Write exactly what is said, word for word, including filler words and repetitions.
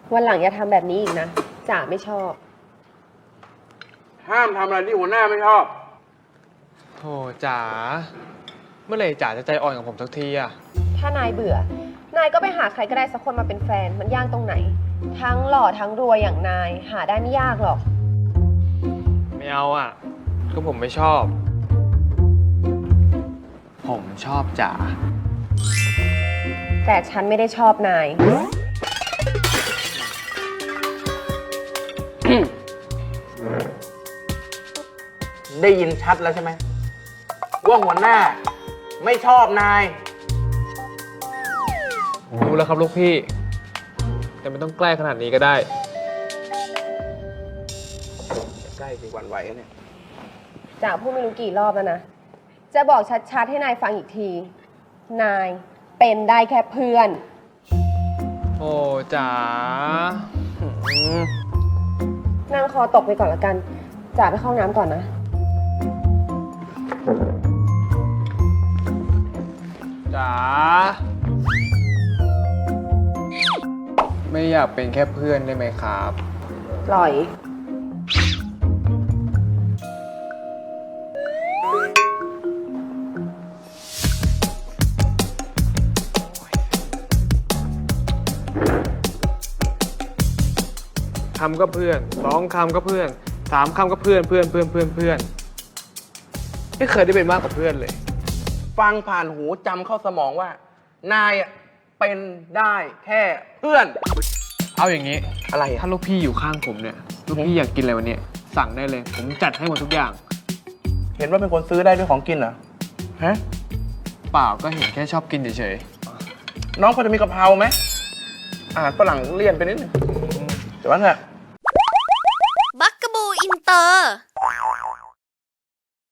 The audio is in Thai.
วันหลังอย่าทำแบบนี้อีกนะจ๋าไม่ชอบห้ามทำอะไรที่หัวหน้าไม่ชอบโธ่จ๋าเมื่อไหร่จ๋าจะใจอ่อนกับผมสักทีอะถ้านายเบื่อ นายก็ไปหาใครก็ได้สักคนมาเป็นแฟน มันยากตรงไหน ทั้งหล่อทั้งรวยอย่างนาย หาได้ไม่ยากหรอกไม่เอาอะก็ผมไม่ชอบ ผมชอบจ๋าแต่ฉันไม่ได้ชอบนายได้ยินชัดแล้วใช่ไหมว่าหัวหน้าไม่ชอบนายรู้แล้วครับลูกพี่ แต่ไม่ต้องใกล้ขนาดนี้ก็ได้ใกล้สิหวั่นไหวแล้วเนี่ยจ๋าพูดไม่รู้กี่รอบแล้วนะ จะบอกชัดๆให้นายฟังอีกที นายเป็นได้แค่เพื่อนโอ้จ๋านั่งคอตกไปก่อนละกัน จ๋าไปเข้าห้องน้ำก่อนนะจ๋า ไม่อยากเป็นแค่เพื่อนได้ไหมครับปล่อยคำก็เพื่อนสองคำก็เพื่อนสามคำก็เพื่อนเพื่อนเพื่อนเพื่อนเพื่อนไม่เคยได้เป็นมากกว่าเพื่อนเลยฟังผ่านหูจำเข้าสมองว่า นายอะเป็นได้แค่เพื่อนเอาอย่างนี้อะไรอะถ้าลูกพี่อยู่ข้างผมเนี่ย ลูกพี่อยากกินอะไรวันนี้สั่งได้เลย ผมจัดให้หมดทุกอย่างเห็นว่าเป็นคนซื้อได้ด้วยของกินเหรอ ฮะเปล่าก็เห็นแค่ชอบกินเฉยน้องพอจะมีกะเพราไหมอาหารฝรั่งเลี่ยนไปนิดนึงแต่ว่าเถอะ